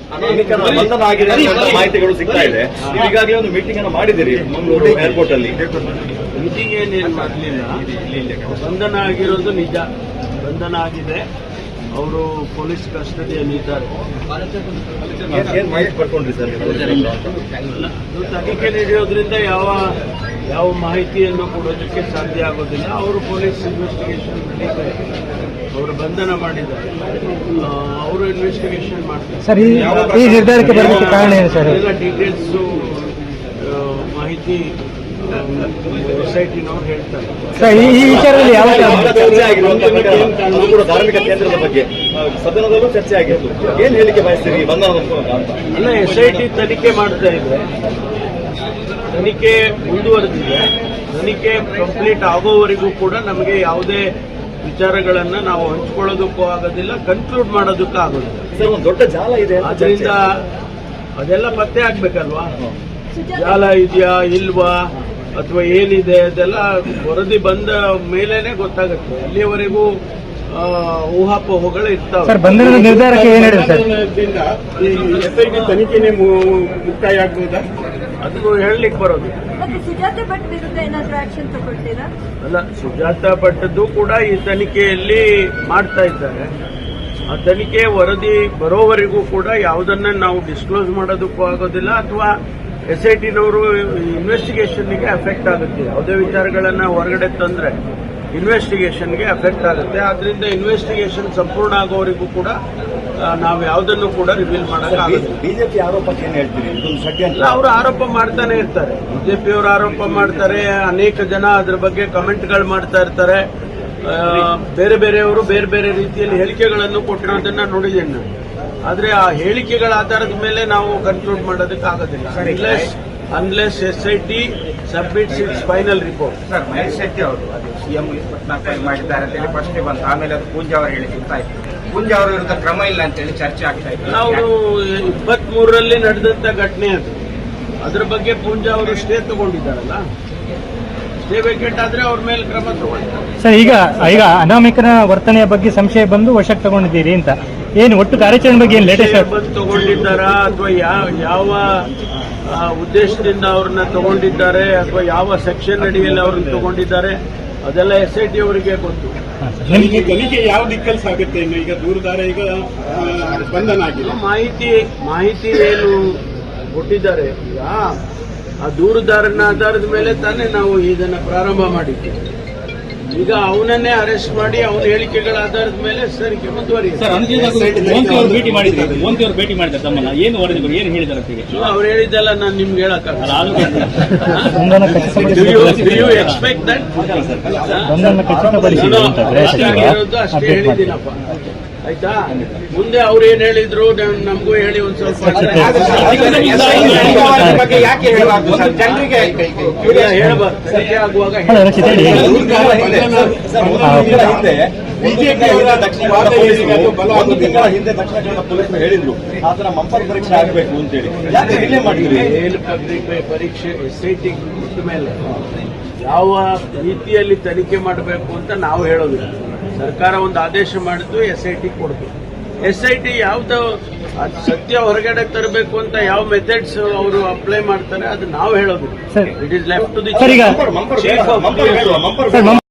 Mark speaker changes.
Speaker 1: ಬಂಧನ ಆಗಿದೆ ಅಂತ ಮಾಹಿತಿಗಳು ಸಿಗ್ತಾ ಇದೆ. ಈಗಾಗಲೇ ಒಂದು ಮೀಟಿಂಗ್ ಅನ್ನು ಮಾಡಿದಿರಿ ಮಂಗಳೂರು ಏರ್ಪೋರ್ಟ್ ಅಲ್ಲಿ.
Speaker 2: ಮೀಟಿಂಗ್ ಏನೇನು ಮಾಡಲಿಲ್ಲ, ಬಂಧನ ಆಗಿರೋದು ನಿಜ. ಬಂಧನ ಆಗಿದೆ, ಅವರು ಪೊಲೀಸ್ ಕಸ್ಟಡಿಯಲ್ಲಿದ್ದಾರೆ.
Speaker 1: ಏನ್ ಮಾಹಿತಿ ಪಡ್ಕೊಂಡ್ರಿ ಸರ್?
Speaker 2: ತನಿಖೆ ನಡೆಯೋದ್ರಿಂದ ಯಾವ ಮಾಹಿತಿಯನ್ನು ಕೊಡೋದಕ್ಕೆ ಸಾಧ್ಯ ಆಗೋದಿಲ್ಲ. ಅವರು ಪೊಲೀಸ್ ಇನ್ವೆಸ್ಟಿಗೇಷನ್ ನಡೀತಾರೆ, ಅವರು ಬಂಧನ ಮಾಡಿದ್ದಾರೆ, ಅವರು ಇನ್ವೆಸ್ಟಿಗೇಷನ್ ಮಾಡ್ತಾರೆ.
Speaker 3: ಸರ್, ಈ ನಿರ್ಧಾರಕ್ಕೆ ಬರಲಿಕ್ಕೆ ಕಾರಣ ಏನು ಸರ್?
Speaker 2: ಎಲ್ಲ ಡೀಟೇಲ್ಸ್ ಮಾಹಿತಿ ಸೊಸೈಟಿನವ್ರು ಹೇಳ್ತಾರೆ.
Speaker 3: ಸರ್, ಈ ವಿಚಾರದಲ್ಲಿ ಯಾವ
Speaker 1: ಚರ್ಚೆ ಆಗಿರುವಂತಹ ಧಾರ್ಮಿಕ ಕೇಂದ್ರದ ಬಗ್ಗೆ ಸದನದಲ್ಲೂ ಚರ್ಚೆ ಆಗಿತ್ತು. ಏನ್ ಹೇಳಿಕೆ ಬಯಸ್ತೀರಿ ಬಂಧನ ಅಂತ?
Speaker 2: ಅಲ್ಲ, SIT ತನಿಖೆ ಮಾಡ್ತಾ ಇದೆ, ತನಿಖೆ ಮುಂದುವರೆದಿದೆ. ತನಿಖೆ ಕಂಪ್ಲೀಟ್ ಆಗೋವರೆಗೂ ಕೂಡ ನಮಗೆ ಯಾವುದೇ ವಿಚಾರಗಳನ್ನ ನಾವು ಹಂಚಿಕೊಳ್ಳೋದಕ್ಕೂ ಆಗೋದಿಲ್ಲ, ಕನ್ಕ್ಲೂಡ್ ಮಾಡೋದಕ್ಕೂ ಆಗೋದಿಲ್ಲ.
Speaker 1: ಸರ್, ಒಂದು ದೊಡ್ಡ ಜಾಲ ಇದೆ,
Speaker 2: ಆದ್ರಿಂದ ಅದೆಲ್ಲ ಪತ್ತೆ ಆಗ್ಬೇಕಲ್ವಾ? ಜಾಲ ಇದೆಯಾ ಇಲ್ವಾ ಅಥವಾ ಏನಿದೆ ಅದೆಲ್ಲ ವರದಿ ಬಂದ ಮೇಲೇನೆ ಗೊತ್ತಾಗುತ್ತೆ. ಅಲ್ಲಿಯವರೆಗೂ ಊಹಾಪೋಹಗಳು ಇರ್ತಾವೆ.
Speaker 3: ಸರ್, ಬಂಧನದ ನಿರ್ಧಾರಕ್ಕೆ ಏನು ಹೇಳಿದೆ ಸರ್?
Speaker 2: SIT ತನಿಖೆನೇ ಮುಕ್ತಾಯ ಆಗ್ಬೋದಾ ಅದು ಹೇಳಲಿಕ್ಕೆ ಬರೋದು.
Speaker 4: ಸುಜಾತ ಭಟ್ ವಿರುದ್ಧ ಏನಾದರೂ ಆಕ್ಷನ್ ತಗೊಳ್ತೀರಾ?
Speaker 2: ಅಲ್ಲ, ಸುಜಾತ ಭಟ್ದು ಕೂಡ ಈ ತನಿಖೆಯಲ್ಲಿ ಮಾಡ್ತಾ ಇದ್ದಾರೆ. ಆ ತನಿಖೆ ವರದಿ ಬರೋವರೆಗೂ ಕೂಡ ಯಾವುದನ್ನ ನಾವು ಡಿಸ್ಕ್ಲೋಸ್ ಮಾಡೋದಕ್ಕೂ ಆಗೋದಿಲ್ಲ, ಅಥವಾ SITನವರು ಇನ್ವೆಸ್ಟಿಗೇಷನ್ಗೆ ಅಫೆಕ್ಟ್ ಆಗುತ್ತೆ. ಯಾವುದೇ ವಿಚಾರಗಳನ್ನ ಹೊರಗಡೆ ತಂದ್ರೆ ಇನ್ವೆಸ್ಟಿಗೇಷನ್ಗೆ ಅಫೆಕ್ಟ್ ಆಗುತ್ತೆ. ಆದ್ರಿಂದ ಇನ್ವೆಸ್ಟಿಗೇಷನ್ ಸಂಪೂರ್ಣ ಆಗೋವರೆಗೂ ಕೂಡ ನಾವು ಯಾವುದನ್ನು ಕೂಡ ರಿವೀಲ್ ಮಾಡೋಕ್ಕಾಗುತ್ತೆ.
Speaker 1: ಬಿಜೆಪಿ ಆರೋಪಕ್ಕೆ ಏನ್ ಹೇಳ್ತೀರಿ?
Speaker 2: ಅವರು ಆರೋಪ ಮಾಡ್ತಾನೆ ಇರ್ತಾರೆ, ಬಿಜೆಪಿಯವರು ಆರೋಪ ಮಾಡ್ತಾರೆ, ಅನೇಕ ಜನ ಅದ್ರ ಬಗ್ಗೆ ಕಮೆಂಟ್ಗಳು ಮಾಡ್ತಾ ಇರ್ತಾರೆ. ಬೇರೆ ಬೇರೆಯವರು ಬೇರೆ ಬೇರೆ ರೀತಿಯಲ್ಲಿ ಹೇಳಿಕೆಗಳನ್ನು ಕೊಟ್ಟಿರೋದನ್ನ ನೋಡಿದ್ದೇನೆ ನಾನು. ಆದ್ರೆ ಆ ಹೇಳಿಕೆಗಳ ಆಧಾರದ ಮೇಲೆ ನಾವು ಕನ್ಕ್ಲೂಡ್ ಮಾಡೋದಕ್ಕೆ ಆಗೋದಿಲ್ಲ, unless SIT submits its final report.
Speaker 5: Sir, Mahesh Shetty ಅವರು ಅದು CM 24 ಮಾಡಿದ್ದಾರೆ ಅಂತ ಹೇಳಿ ಫಸ್ಟ್ ಬಂತು, ಆಮೇಲೆ ಅದು ಪೂಂಜಾ ಅವರು ಹೇಳಿ ಸಿಗ್ತಾಯಿತ್ತು. ಪೂಂಜಾ ಅವರ ವಿರುದ್ಧ ಕ್ರಮ ಇಲ್ಲ ಅಂತ ಹೇಳಿ ಚರ್ಚೆ ಆಗ್ತಾ ಇತ್ತು.
Speaker 2: ನಾವು 23ರಲ್ಲಿ ನಡೆದಂತ ಘಟನೆ ಅದು. ಅದ್ರ ಬಗ್ಗೆ ಪೂಂಜಾ ಅವರು ಸ್ಟೇ ತಗೊಂಡಿದ್ದಾರಲ್ಲ, ಸ್ಟೇ ವೇಕೆಟ್ ಆದ್ರೆ ಅವ್ರ ಮೇಲೆ ಕ್ರಮ ತಗೊಳ್ತಾರೆ.
Speaker 3: ಸರ್, ಈಗ ಅನಾಮಿಕನ ವರ್ತನೆಯ ಬಗ್ಗೆ ಸಂಶಯ ಬಂದು ವಶಕ್ಕೆ ತಗೊಂಡಿದ್ದೀರಿ ಅಂತ, ಏನು ಒಟ್ಟು ಕಾರ್ಯಾಚರಣೆ ಬಗ್ಗೆ ಏನು ಲೇಟೆಸ್ಟ್
Speaker 2: ಬಂದು ತಗೊಂಡಿದ್ದಾರಾ ಅಥವಾ ಯಾವ ಉದ್ದೇಶದಿಂದ ಅವ್ರನ್ನ ತಗೊಂಡಿದ್ದಾರೆ ಅಥವಾ ಯಾವ ಸೆಕ್ಷನ್ ಅಡಿಯಲ್ಲಿ ಅವ್ರನ್ನ ತಗೊಂಡಿದ್ದಾರೆ ಅದೆಲ್ಲ SIT ಅವರಿಗೆ ಗೊತ್ತು.
Speaker 6: ತನಿಖೆ ಯಾವ ದಿಕ್ಕಲ್ಲಿ ಸಾಗುತ್ತೆ? ಇನ್ನು ಈಗ ದೂರದಾರ ಈಗ ಬಂಧನ ಆಗಿದೆ,
Speaker 2: ಮಾಹಿತಿ ಏನು ಕೊಟ್ಟಿದ್ದಾರೆ, ಈಗ ಆ ದೂರುದಾರನ ಆಧಾರದ ಮೇಲೆ ತಾನೇ ನಾವು ಇದನ್ನ ಪ್ರಾರಂಭ ಮಾಡಿದ್ದೀವಿ. ಈಗ ಅವನನ್ನೇ ಅರೆಸ್ಟ್ ಮಾಡಿ ಅವನ ಹೇಳಿಕೆಗಳ ಆಧಾರದ ಮೇಲೆ ತನಿಖೆ ಮುಂದುವರಿಯುತ್ತೆ.
Speaker 7: ಭೇಟಿ ಮಾಡಿದ್ದಾರೆ ತಮ್ಮನ್ನ, ಏನು ವರದಿಗಳು ಏನು ಹೇಳಿದ್ದಾರೆ?
Speaker 2: ಅವ್ರು ಹೇಳಿದ್ದೆಲ್ಲ ನಾನು ನಿಮ್ಗೆ ಹೇಳಕ್ಕಾಗಲ್ಲ. ಎಕ್ಸ್ಪೆಕ್ಟ್ ದಟ್ ಆಗಿರೋದು ಅಷ್ಟೇ ಹೇಳಿದ್ದೀನಪ್ಪ, ಆಯ್ತಾ? ಮುಂದೆ ಅವ್ರು ಏನ್ ಹೇಳಿದ್ರು ನಮಗೂ ಹೇಳಿ ಒಂದ್ ಸ್ವಲ್ಪ
Speaker 5: ಯಾಕೆ ಹೇಳಬಾರ್ದು ಸರ್? ಜನರಿಗೆ
Speaker 2: ಹೇಳಬಾರ್ದು, ತನಿಖೆ ಆಗುವಾಗ
Speaker 1: ಹಿಂದೆ ದಕ್ಷಿಣ ಕನ್ನಡ ಪೊಲೀಸ್ ಹೇಳಿದ್ರು ಆತರ ಮಂಪರ್ ಪರೀಕ್ಷೆ ಆಗಬೇಕು ಅಂತೇಳಿ. ಯಾಕೆ ಡಿಲೇ ಮಾಡಿದ್ರಿ?
Speaker 2: ಪರೀಕ್ಷೆ SIT ಬಿಟ್ಟ ಮೇಲೆ ಯಾವ ರೀತಿಯಲ್ಲಿ ತನಿಖೆ ಮಾಡಬೇಕು ಅಂತ ನಾವು ಹೇಳೋದಿಲ್ಲ. ಸರ್ಕಾರ ಒಂದು ಆದೇಶ ಮಾಡಿದ್ದು, SIT ಕೊಡ್ತು. SIT ಯಾವ್ದು ಸತ್ಯ ಹೊರಗಡೆ ತರಬೇಕು ಅಂತ ಯಾವ ಮೆಥಡ್ಸ್ ಅವರು ಅಪ್ಲೈ ಮಾಡ್ತಾರೆ ಅದು ನಾವು ಹೇಳೋದಿಲ್ಲ. It is left to the chief of